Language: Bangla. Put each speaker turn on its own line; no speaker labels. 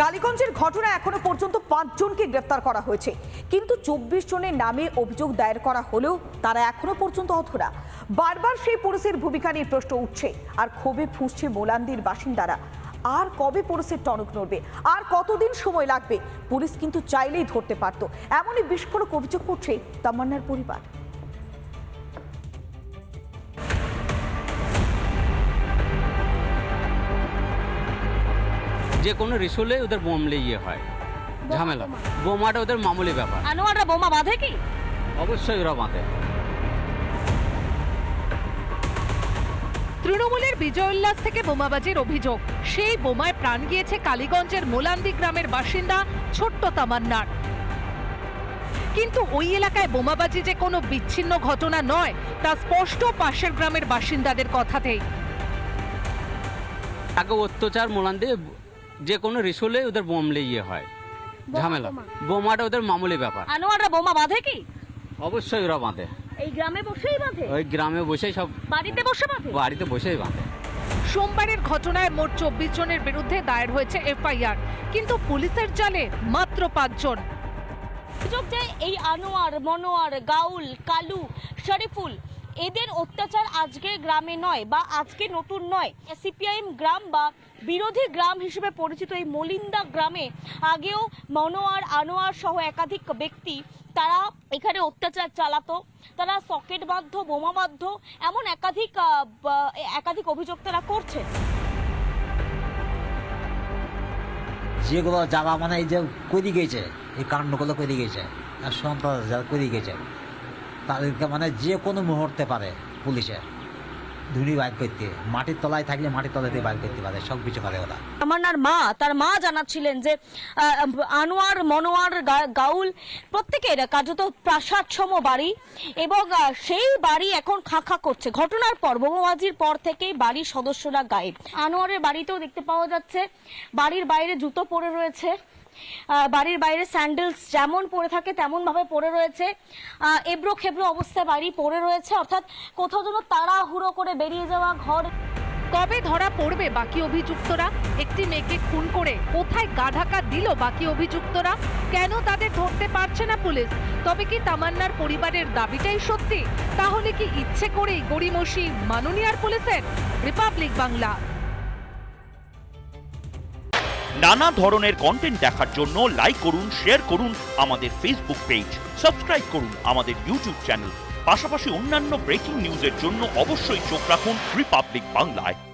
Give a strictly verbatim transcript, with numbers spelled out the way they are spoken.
কালীগঞ্জের ঘটনায় এখনো পর্যন্ত পাঁচজনকে গ্রেফতার করা হয়েছে, কিন্তু চব্বিশ জনের নামে অভিযোগ দায়ের করা হলেও তারা এখনো পর্যন্ত অধরা। বারবার সেই পুলিশের ভূমিকা নিয়ে প্রশ্ন উঠছে আর ক্ষোভে ফুঁসছে মোলান্দির বাসিন্দারা। আর কবে পুলিশের টনক নড়বে, আর কতদিন সময় লাগবে? পুলিশ কিন্তু চাইলেই ধরতে পারত, এমনই বিস্ফোরক অভিযোগ করছে তামান্নার পরিবার।
যে কোনো রিসুলে ওদের বোমলে ইয়ে হয়, ঝামেলা। বোমাটা ওদের মামুলি ব্যাপার।
আনোয়াররা বোমা বাঁধে কি?
অবশ্যই ওরা বাঁধে।
তৃণমূলের বিজয় উল্লাস থেকে বোমাবাজির অভিযোগ, সেই বোমায় প্রাণ গিয়েছে কালীগঞ্জের মোলান্দি গ্রামের বাসিন্দা ছোট্ট তামান্নার। কিন্তু ওই এলাকায় বোমাবাজি যে কোনো বিচ্ছিন্ন ঘটনা নয় তা স্পষ্ট পাশের গ্রামের বাসিন্দাদের কথাতেই।
আগে অত্যাচার মোলান্দি যে কোনো রিসুলে ওদের বোমলে ইয়ে হয়, ঝামেলা। বোমাটা ওদের মামুলি ব্যাপার।
আনোয়াররা বোমা বাঁধে কি?
অবশ্যই ওরা বাঁধে।
এই গ্রামে বসেই বাঁধে?
ওই গ্রামে বসেই সব
বাড়িতে বসে বাঁধে?
বাড়িতে বসেই বাঁধে।
সোমবারের ঘটনায় মোট চব্বিশ জনের বিরুদ্ধে দায়ের হয়েছে এফআইআর, কিন্তু পুলিশের জালে মাত্র পাঁচজন।
অভিযোগ যে এই আনোয়ার, মনোয়ার, গাউল, কালু, শরীফুল এদের অত্যাচার আজকে গ্রামে নয় বা আজকে নতুন নয়। সিপিআইএম গ্রাম বা বিরোধী গ্রাম হিসেবে পরিচিত এই মলিন্দা গ্রামে আগেও মনোয়ার, আনোয়ার সহ একাধিক ব্যক্তি তারা এখানে অত্যাচার চালাতো, তারা সকেট বাধ্য, বোমা বাধ্য, এমন একাধিক একাধিক অভিযোগ তারা করছে।
যেগুলো যারা মানে এই যে করে গেছে, এই কাণ্ডগুলো করে গেছে আর সন্ত্রাস যারা করে গেছে তাদেরকে মানে যে কোনো মুহূর্তে পারে পুলিশে ধুনি বাইর করতে, মাটির তলায় থাকলে মাটির তলাতে বাইর করতে পারে, সব কিছু পারে ওরা।
তামান্নার মা, তার মা জানাচ্ছিলেন যে আনোয়ার, মনোয়ার, গাউল প্রত্যেকের কার্যত প্রাসাদসম বাড়ি এবং সেই বাড়ি এখন খা খা করছে। ঘটনার পর, বোমাবাজির পর থেকেই বাড়ির সদস্যরা গায়েব। আনোয়ারের বাড়িতেও দেখতে পাওয়া যাচ্ছে বাড়ির বাইরে জুতো পড়ে রয়েছে, বাড়ির বাইরে স্যান্ডেলস যেমন পরে থাকে তেমন ভাবে পড়ে রয়েছে, এবড়ো খেবড়ো অবস্থায় বাড়ি পড়ে রয়েছে, অর্থাৎ কোথাও যেন তাড়াহুড়ো করে বেরিয়ে যাওয়া ঘর।
কবে ধরা পড়বে বাকি অভিযুক্তরা? একটি মেয়েকে খুন করে কোথায় গা ঢাকা দিল বাকি অভিযুক্তরা? কেন তাদের ধরতে পারছে না পুলিশ? তবে কি তামান্নার পরিবারের দাবিটাই সত্যি? তাহলে কি ইচ্ছে করেই গড়িমসি মাননীয়ার পুলিশের? রিপাবলিক বাংলা।
নানা ধরনের কন্টেন্ট দেখার জন্য লাইক করুন, শেয়ার করুন আমাদের ফেসবুক পেজ, সাবস্ক্রাইব করুন আমাদের ইউটিউব চ্যানেল। পাশাপাশি অন্যান্য ব্রেকিং নিউজের জন্য অবশ্যই চোখ রাখুন রিপাবলিক বাংলায়।